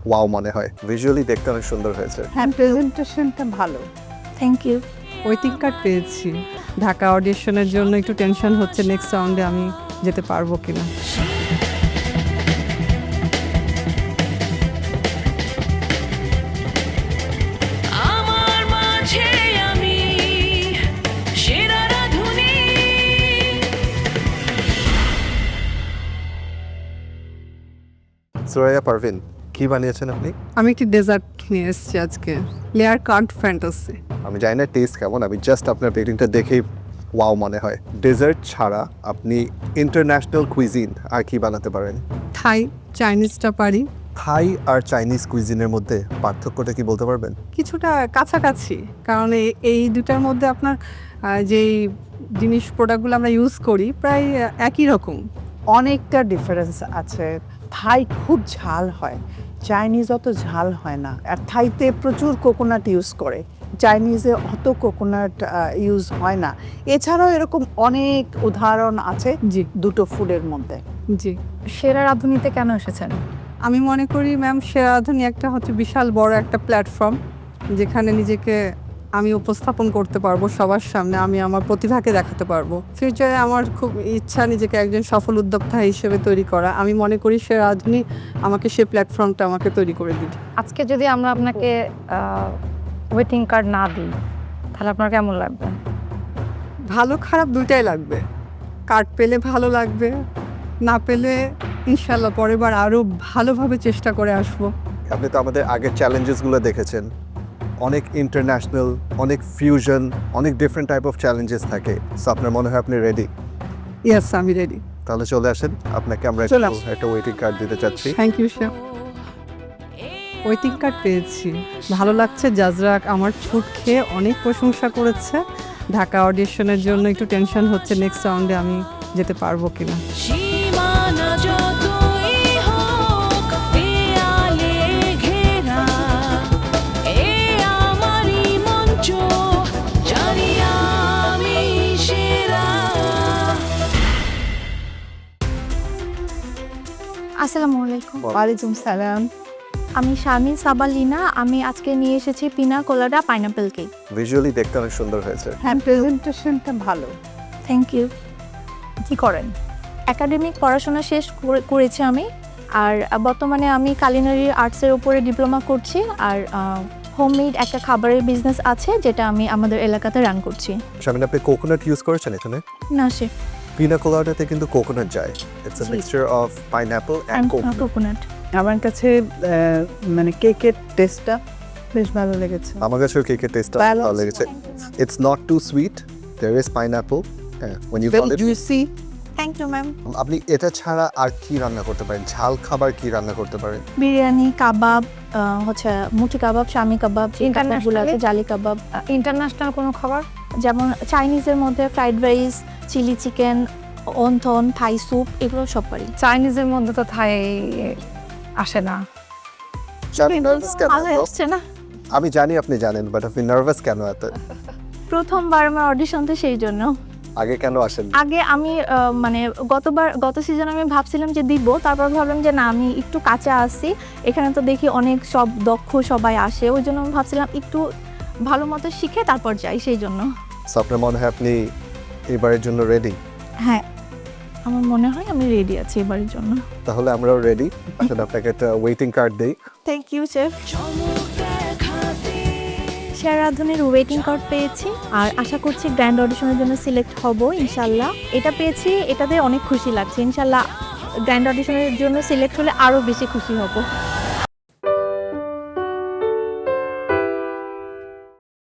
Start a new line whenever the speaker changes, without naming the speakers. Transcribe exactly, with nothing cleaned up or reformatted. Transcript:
Wow মনে হয়। Visually দেখতে অনেক সুন্দর হয়েছে।
হ্যাঁ, প্রেজেন্টেশনটা ভালো।
Thank you.
ওয়েটিং কার্ড পেয়েছি। ঢাকা অডিশনের জন্য একটু টেনশন হচ্ছে নেক্সট রাউন্ডে আমি যেতে পারবো কিনা।
আমার মাঝে আমি সেরা রাধুনী।
সুরাইয়া পারভিন, কি বানিয়েছেন আপনি?
আমি একটি ডেজার্ট নিয়ে এসেছি আজকে, লেয়ার কার্ড ফ্যান্টাসি।
আমি জানি না টেস্ট কেমন, আমি জাস্ট আপনার বেকিংটা দেখেই ওয়াও মনে হয়। ডেজার্ট ছাড়া আপনি ইন্টারন্যাশনাল কুইজিন আর কি বানাতে পারেন?
থাই, চাইনিজটা পারি।
থাই আর চাইনিজ কুইজিনের মধ্যে পার্থক্যটা কি বলতে পারবেন?
কিছুটা কাছাকাছি, কারণ এই এই দুটার মধ্যে আপনার আহ, যেই জিনিস প্রোডাক্টগুলো আমরা ইউজ করি প্রায় আহ, একই রকম।
অনেকটা ডিফারেন্স আছে। থাই খুব ঝাল হয়, চাইনিজ অত ঝাল হয় না। আর থাইতে প্রচুর কোকোনাট ইউজ করে, চাইনিজে অত কোকোনাট ইউজ হয় না। এছাড়াও এরকম অনেক উদাহরণ আছে
জি
দুটো ফুডের মধ্যে।
জি
সেরা রাঁধুনিতে কেন এসেছেন?
আমি মনে করি ম্যাম সেরাধনী একটা হচ্ছে বিশাল বড় একটা প্ল্যাটফর্ম, যেখানে নিজেকে আমি উপস্থাপন করতে পারবো সবার সামনে, আমি আমার প্রতিভাকে দেখাতে পারবো। ফিউচারে আমার খুব ইচ্ছা নিজেকে একজন সফল উদ্যোক্তা হিসেবে তৈরি করা। আমি মনে করি সেরাধনী আমাকে সেই প্ল্যাটফর্মটা আমাকে তৈরি করে দিবে।
আজকে যদি আমরা আপনাকে ওয়েটিং কার্ড না দিই তাহলে আপনার কেমন লাগবে?
ভালো খারাপ দুইটাই লাগবে। কার্ড পেলে ভালো লাগবে, না পেলে ইনশাল্লাহ পরের বার আরও ভালোভাবে চেষ্টা করে আসবো।
আপনি তো আমাদের আগের চ্যালেঞ্জেসগুলো দেখেছেন, অনেক ইন্টারন্যাশনাল, অনেক ফিউশন, অনেক ডিফারেন্ট টাইপ অফ চ্যালেঞ্জেস থাকে। সো আপনার মনে হয় আপনি রেডি?
ইয়েস, আমি রেডি।
তাহলে চলে আসেন, আপনাকে আমরা
চলে
একটু
আসুন।
একটা ওয়েটিং কার্ড দিতে চাচ্ছি।
Thank you chef. Waiting card পেয়েছি, ভালো লাগছে। জাজরা আমার ফুড খেয়ে অনেক প্রশংসা করেছে। ঢাকা অডিশনের জন্য একটু টেনশন হচ্ছে নেক্সট রাউন্ডে আমি যেতে পারবো কিনা।
সীমানা যতই হোক দেয়ালে ঘেরা, এ আমারই মঞ্চ, জানি আমি সেরা।
আসসালামু আলাইকুম।
ওয়ালাইকুম সালাম।
আমি শারমিন সাবালিনা। আমি আজকে নিয়ে এসেছি পিনা কোলাডা পাইনাপেল কেক।
ভিজুয়ালি দেখতে অনেক সুন্দর হয়েছে।
হ্যাঁ, প্রেজেন্টেশনটা ভালো।
Thank you. কি করেন? একাডেমিক পড়াশোনা শেষ করে- করেছি আমি, আর বর্তমানে আমি কালিনারি আর্টসের উপরে ডিপ্লোমা করছি। আর হোমমেড একটা খাবারের বিজনেস আছে যেটা আমি আমাদের এলাকাতে রান করছি।
শামিন, আপনি কোকোনাট ইউজ করেছেন এখানে?
না সে
পিনা কোলাডাতে কিন্তু কোকোনাট যায়। ইটস আ
জি।
Mixture of pineapple and coconut.
Coconut.
আমার কাছে আহ, মানে কেকের টেস্টটা বেশ ভালো লেগেছে।
আমার কাছেও কেকের টেস্টটা
Balance.
ভালো লেগেছে। It's not too sweet, there is pineapple. when you
Very
call it,
juicy.
Thank you ma'am.
আপনি এটা ছাড়া আর কি রান্না করতে পারেন? ঝাল খাবার কি রান্না করতে পারেন?
বিরিয়ানি, কাবাব, আহ, হচ্ছে মুঠি কাবাব, শামি কাবাব, ইন্টারন্যাশনাল জালি কাবাব। ইন্টারন্যাশনাল কোনো খাবার যেমন চাইনিজের মধ্যে fried rice, chilli chicken, wonton, Thai soup, এগুলো সব পারি।
চাইনিজের মধ্যে তো থাই আসে না।
নার্ভাস কেন
ভালো
এত?
আসছে না।
আমি জানি আপনি জানেন, বাট আপনি নার্ভাস কেন এত?
প্রথমবার আমার অডিশন তো সেই জন্য।
আগে কেন আসেন?
আগে আমি আহ, মানে গতবার গত সিজনে আমি ভাবছিলাম যে দিব, তারপর ভাবলাম যে না, আমি একটু কাঁচা আসছি, এখানে তো দেখি অনেক সব দক্ষ সবাই আসে, ওই জন্য আমি ভাবছিলাম একটু ভালো মতো শিখে তারপর যাই, সেই জন্য।
সো আপনার মনে হয় আপনি এবারের জন্য রেডি?
হ্যাঁ, আমার মনে হয় আমি রেডি আছি এবারের জন্য।
তাহলে আমরাও রেডি। আসলে আপনাকে একটা ওয়েটিং কার্ড দেই।
Thank you chef.
চমক দেখাতে
সেরা রাঁধুনির ওয়েটিং কার্ড পেয়েছি, আর আশা করছি গ্র্যান্ড অডিশনের জন্য সিলেক্ট হব ইনশাল্লাহ। এটা পেয়েছি, এটাতে অনেক খুশি লাগছে। ইনশাল্লাহ গ্র্যান্ড অডিশনের জন্য সিলেক্ট হলে আরও বেশি খুশি হব।